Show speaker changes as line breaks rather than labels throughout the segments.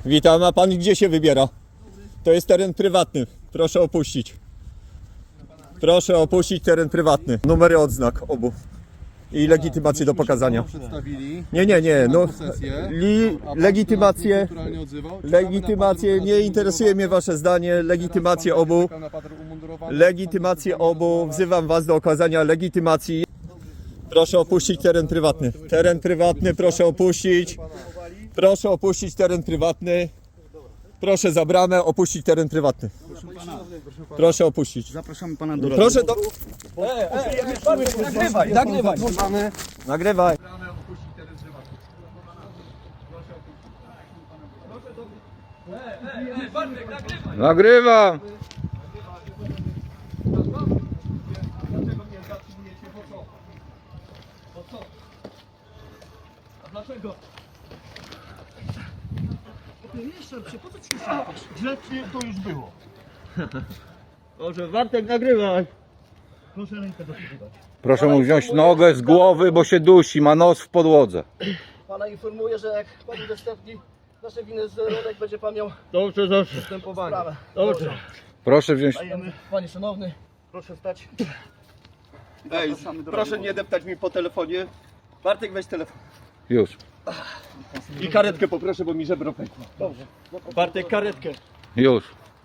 Witam, a pan gdzie się wybiera? To jest teren prywatny. Proszę opuścić. Proszę opuścić teren prywatny. Numery odznak obu. I legitymację do pokazania.
Przedstawili.
Nie. No,
Posesję.
legitymację.
Kulturalnie odzywał.
Legitymację. Nie interesuje mnie wasze zdanie. Legitymację obu.
Czekam na patrol umundurowany.
Legitymację obu. Wzywam was do okazania legitymacji. Proszę opuścić teren prywatny. Teren prywatny, proszę opuścić. Proszę opuścić teren prywatny. Proszę za bramę opuścić teren prywatny. Proszę opuścić.
Zapraszamy pana do
Proszę do... Nagrywaj. Nagrywaj.
Nagrywam!
Dlaczego?
Grzecznie to już było.
Może Bartek nagrywaj.
Proszę rękę dosypywać.
Proszę mu wziąć nogę z głowy, bo się dusi, ma nos w podłodze.
Pana informuję, że jak pan udostępni nasze winy z rolek, będzie pan miał
Dobrze.
sprawę.
Dobrze.
Proszę wziąć...
Panie szanowny, proszę stać.
Ej, proszę nie deptać mi po telefonie. Bartek, weź telefon.
Już.
I karetkę poproszę, bo mi żebro pękło. Dobrze. Bartek, karetkę.
Już.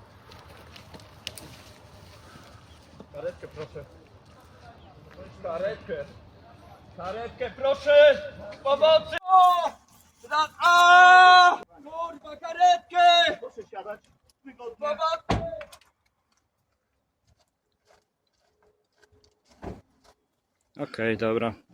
Karetkę proszę. Karetkę. Karetkę proszę! Pomocy! O! A! Kurwa, karetkę!
Proszę siadać. Wygodnie.
Pomocy!
Okej, dobra.